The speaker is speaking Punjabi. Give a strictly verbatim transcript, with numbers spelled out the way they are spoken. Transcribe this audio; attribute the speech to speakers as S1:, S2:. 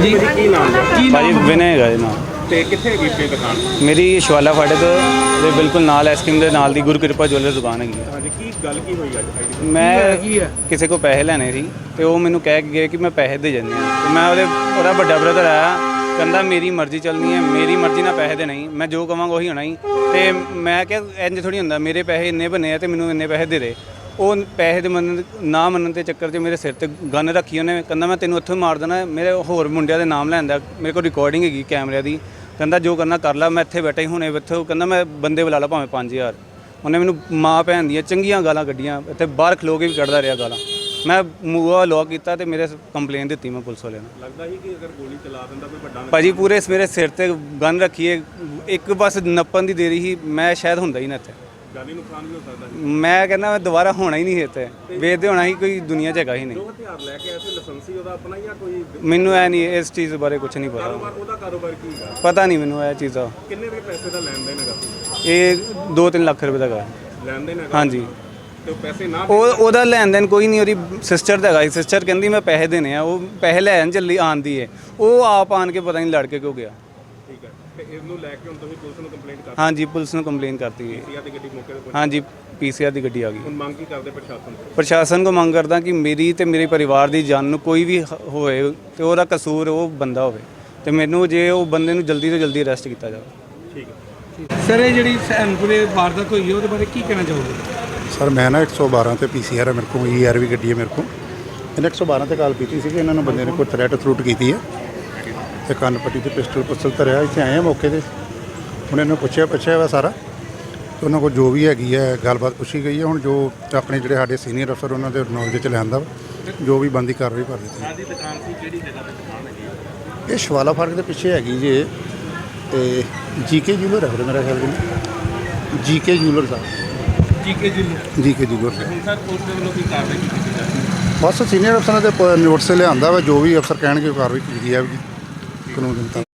S1: ਹਾਂਜੀ ਕੀ ਨਾਮ ਕੀ
S2: ਭਾਜੀ ਵਿਨੇ ਹੈਗਾ ਜੀ ਨਾਮ।
S1: ਤੇ ਕਿੱਥੇ ਹੈਗੀ ਆਪਣੀ ਦੁਕਾਨ?
S2: ਮੇਰੀ ਸ਼ਵਾਲਾ ਫਾਟਕ ਦੇ ਬਿਲਕੁਲ ਨਾਲ ਐਸਕ੍ਰੀਮ ਦੇ ਨਾਲ ਦੀ ਗੁਰਕਿਰਪਾ ਜੁਐਲਰ ਦੁਕਾਨ ਹੈਗੀ ਹੈ।
S1: ਹਾਂਜੀ ਕੀ ਗੱਲ ਕੀ ਹੋਈ ਅੱਜ?
S2: ਮੈਂ ਕਿਸੇ ਕੋ ਪੈਸੇ ਲੈਣੇ ਸੀ ਤੇ ਉਹ ਮੈਨੂੰ ਕਹਿ ਕੇ ਗਏ ਕਿ ਮੈਂ ਪੈਸੇ ਦੇ ਜਾਂਦੇ ਹਾਂ ਤੇ ਮੈਂ ਉਹਦੇ ਉਹਦਾ ਵੱਡਾ ਬ੍ਰਦਰ ਆਇਆ, ਕਹਿੰਦਾ ਮੇਰੀ ਮਰਜ਼ੀ ਚੱਲਣੀ ਹੈ, ਮੇਰੀ ਮਰਜ਼ੀ ਨਾਲ ਪੈਸੇ ਦੇ ਨਹੀਂ, ਮੈਂ ਜੋ ਕਵਾਂਗਾ ਉਹੀ ਹੋਣਾ ਹੀ। ਤੇ ਮੈਂ ਕਿਹਾ ਇੰਜ ਥੋੜੀ ਹੁੰਦਾ, ਮੇਰੇ ਪੈਸੇ ਇੰਨੇ ਬਣੇ ਆ ਤੇ ਮੈਨੂੰ ਇੰਨੇ ਪੈਸੇ ਦੇ ਦੇ। ਉਹ ਪੈਸੇ ਦੇ ਮੰਨਣ ਨਾ ਮੰਨਣ ਦੇ ਚੱਕਰ 'ਚ ਮੇਰੇ ਸਿਰ ਤੇ ਗਨ ਰੱਖੀ ਉਹਨੇ, ਕਹਿੰਦਾ ਮੈਂ ਤੈਨੂੰ ਉੱਥੋਂ ਮਾਰ ਦੇਣਾ। ਮੇਰੇ ਹੋਰ ਮੁੰਡਿਆਂ ਦੇ ਨਾਮ ਲੈਂਦਾ, ਮੇਰੇ ਕੋਲ ਰਿਕਾਰਡਿੰਗ ਹੈਗੀ ਕੈਮਰਿਆਂ ਦੀ, ਕਹਿੰਦਾ ਜੋ ਕਰਨਾ ਕਰ ਲਾ, ਮੈਂ ਇੱਥੇ ਬੈਠਾ ਹੀ ਹੁਣੇ ਇੱਥੇ। ਉਹ ਕਹਿੰਦਾ ਮੈਂ ਬੰਦੇ ਬੁਲਾ ਲਾ ਭਾਵੇਂ ਪੰਜ ਹਜ਼ਾਰ। ਉਹਨੇ ਮੈਨੂੰ ਮਾਂ ਭੈਣ ਦੀਆਂ ਚੰਗੀਆਂ ਗਾਲਾਂ ਕੱਢੀਆਂ, ਇੱਥੇ ਬਾਹਰ ਖਲੋ ਕੇ ਵੀ ਕੱਢਦਾ ਰਿਹਾ ਗਾਲਾਂ। ਮੈਂ ਮੂੰਹ ਲੋਕ ਕੀਤਾ ਤੇ ਮੇਰੇ ਕੰਪਲੇਨ ਦਿੱਤੀ ਮੈਂ ਪੁਲਿਸ ਵਾਲਿਆਂ ਨੂੰ।
S1: ਲੱਗਦਾ ਸੀ ਕਿ ਅਗਰ ਗੋਲੀ ਚਲਾ ਦਿੰਦਾ ਕੋਈ ਵੱਡਾ
S2: ਭਾਜੀ ਪੂਰੇ ਮੇਰੇ ਸਿਰ ਤੇ ਗਨ ਰੱਖੀਏ, ਇੱਕ ਬਸ ਨੱਪਣ ਦੀ ਦੇਰੀ ਸੀ, ਮੈਂ ਸ਼ਾਇਦ ਹੁੰਦਾ ਹੀ ਨਾ ਇੱਥੇ।
S1: ਜਾਨੀ ਨੁਕਸਾਨ ਵੀ ਹੋ ਸਕਦਾ ਸੀ।
S2: ਮੈਂ ਕਹਿੰਦਾ ਮੈਂ ਦੁਬਾਰਾ ਹੋਣਾ ਹੀ ਨਹੀਂ ਇੱਥੇ, ਵੇਚਦੇ ਹੋਣਾ ਹੀ ਕੋਈ ਦੁਨੀਆ 'ਚ ਹੈਗਾ ਹੀ ਨਹੀਂ।
S1: ਜੋ ਹਥਿਆਰ ਲੈ ਕੇ ਆਇਆ ਸੀ ਲਾਇਸੈਂਸੀ ਉਹਦਾ ਆਪਣਾ ਜਾਂ ਕੋਈ?
S2: ਮੈਨੂੰ ਇਹ ਨਹੀਂ, ਇਸ ਚੀਜ਼ ਬਾਰੇ ਕੁਝ ਨਹੀਂ ਪਤਾ।
S1: ਕਾਰੋਬਾਰ ਉਹਦਾ ਕਾਰੋਬਾਰ ਕੀ ਹੈ?
S2: ਪਤਾ ਨਹੀਂ ਮੈਨੂੰ ਇਹ ਚੀਜ਼ ਦਾ।
S1: ਕਿੰਨੇ ਦੇ ਪੈਸੇ ਦਾ ਲੈਣ ਦੇਣ ਹੈਗਾ?
S2: ਇਹ ਦੋ ਤਿੰਨ ਲੱਖ ਰੁਪਏ ਦਾ ਹੈਗਾ।
S1: ਲੈਣ ਦੇਣ ਹੈਗਾ?
S2: ਹਾਂਜੀ।
S1: ਤੇ ਉਹ ਪੈਸੇ ਨਾ
S2: ਉਹ ਉਹਦਾ ਲੈਣ ਦੇਣ ਕੋਈ ਨਹੀਂ, ਉਹਦੀ ਸਿਸਟਰ ਦਾ ਹੈਗਾ। ਸਿਸਟਰ ਕਹਿੰਦੀ ਮੈਂ ਪੈਸੇ ਦੇਣੇ ਆ, ਉਹ ਪੈਸੇ ਲੈਣ ਚੱਲੀ ਆਂਦੀ ਹੈ, ਉਹ ਆਪ ਆਣ ਕੇ ਪਤਾ ਨਹੀਂ ਲੜ ਕੇ ਕਿਉਂ ਗਿਆ।
S1: ਠੀਕ ਹੈ ਤੇ ਇਹਨੂੰ ਲੈ ਕੇ ਹੁਣ ਤੁਸੀਂ ਪੁਲਿਸ ਨੂੰ ਕੰਪਲੇਂਟ ਕਰ?
S2: ਹਾਂਜੀ ਪੁਲਿਸ ਨੂੰ ਕੰਪਲੇਨ ਕਰਤੀ ਹੈ।
S1: ਪੀਸੀਆਰ ਦੀ ਗੱਡੀ ਮੌਕੇ ਤੇ ਪਹੁੰਚੀ?
S2: ਹਾਂਜੀ ਪੀਸੀਆਰ ਦੀ ਗੱਡੀ ਆ ਗਈ।
S1: ਹੁਣ ਮੰਗ ਕੀ ਕਰਦੇ ਪ੍ਰਸ਼ਾਸਨ ਤੋਂ?
S2: ਪ੍ਰਸ਼ਾਸਨ ਕੋ ਮੰਗ ਕਰਦਾ ਕਿ ਮੇਰੀ ਤੇ ਮੇਰੇ ਪਰਿਵਾਰ ਦੀ ਜਾਨ ਨੂੰ ਕੋਈ ਵੀ ਹ- ਹੋਏ ਤੇ ਉਹਦਾ ਕਸੂਰ ਉਹ ਬੰਦਾ ਹੋਵੇ ਤੇ ਮੈਨੂੰ ਜੇ ਉਹ ਬੰਦੇ ਨੂੰ ਜਲਦੀ ਤੋਂ ਜਲਦੀ ਅਰੈਸਟ ਕੀਤਾ ਜਾਵੇ।
S1: ਠੀਕ ਹੈ
S3: ਸਰ ਇਹ ਜਿਹੜੀ ਸੈਨਪੁਰੇ ਵਾਰਦਾਤ ਹੋਈ ਹੈ ਉਹਦੇ ਬਾਰੇ ਕੀ ਕਹਿਣਾ ਚਾਹੋਗੇ?
S4: ਸਰ ਮੈਂ ਨਾ ਇੱਕ ਸੌ ਬਾਰਾਂ ਤੇ ਪੀਸੀਆਰ ਹੈ ਮੇਰੇ ਕੋਲ, ਈ ਆਰ ਵੀ ਗੱਡੀ ਹੈ ਮੇਰੇ ਕੋਲ। ਇਹਨੇ ਇੱਕ ਸੌ ਬਾਰਾਂ ਤੇ ਕਾਲ ਕੀਤੀ ਸੀ ਕਿ ਇਹਨਾਂ ਨੂੰ ਬੰਦੇ ਨੇ ਕੋਈ ਥ੍ਰੈਟ ਥਰੂਟ ਕੀਤੀ ਹੈ ਤੇ ਕੰਨ ਪੱਟੀ ਤੇ ਪਿਸਟਲ ਪੁਸਤਲ ਧਰਿਆ। ਇੱਥੇ ਆਏ ਆ ਮੌਕੇ ਤੇ, ਹੁਣ ਇਹਨੂੰ ਪੁੱਛਿਆ ਪੁੱਛਿਆ ਵਾ ਸਾਰਾ ਤੇ ਉਹਨਾਂ ਕੋਲ ਜੋ ਵੀ ਹੈਗੀ ਹੈ ਗੱਲਬਾਤ ਪੁੱਛੀ ਗਈ ਹੈ। ਹੁਣ ਜੋ ਆਪਣੇ ਜਿਹੜੇ ਸਾਡੇ ਸੀਨੀਅਰ ਅਫਸਰ ਉਹਨਾਂ ਦੇ ਨੌਲੇਜ 'ਚ ਲਿਆਂਦਾ ਵਾ, ਜੋ ਵੀ ਬੰਦੀ ਕਾਰਵਾਈ ਕਰ ਦਿੱਤੀ।
S1: ਸਾਡੀ ਦੁਕਾਨ ਸੀ ਕਿਹੜੀ ਜਗ੍ਹਾ ਤੇ ਦੁਕਾਨ ਹੈਗੀ?
S4: ਇਹ ਸ਼ਵਾਲਾ ਫਾਟਕ ਦੇ ਪਿੱਛੇ ਹੈਗੀ ਜੇ ਤੇ ਜੀਕੇ ਜੂਲਰ ਹੈ ਮੇਰਾ ਖਿਆਲ ਜੀ, ਜੀਕੇ ਜੂਲਰ ਸਾਹਿਬ,
S3: ਜੀਕੇ ਜੀ
S4: ਜੀਕੇ ਜੂਲਰ ਸਾਹਿਬ।
S1: ਹੁਣ ਸਰ ਪੁਲਿਸ ਦੇ ਵੱਲੋਂ ਕੀ ਕਾਰਵਾਈ ਕੀਤੀ ਜਾਂਦੀ ਹੈ?
S4: ਬਸ ਸੀਨੀਅਰ ਅਫਸਰਾਂ ਦੇ ਨੋਟਿਸ ਲਿਆਂਦਾ ਵਾ, ਜੋ ਵੀ ਅਫਸਰ ਕਹਿਣਗੇ ਉਹ ਕਾਰਵਾਈ ਕੀਤੀ ਜਾਵੇਗੀ ਕਾਨੂੰਨ ਦੇ ਮੁਤਾਬਕ।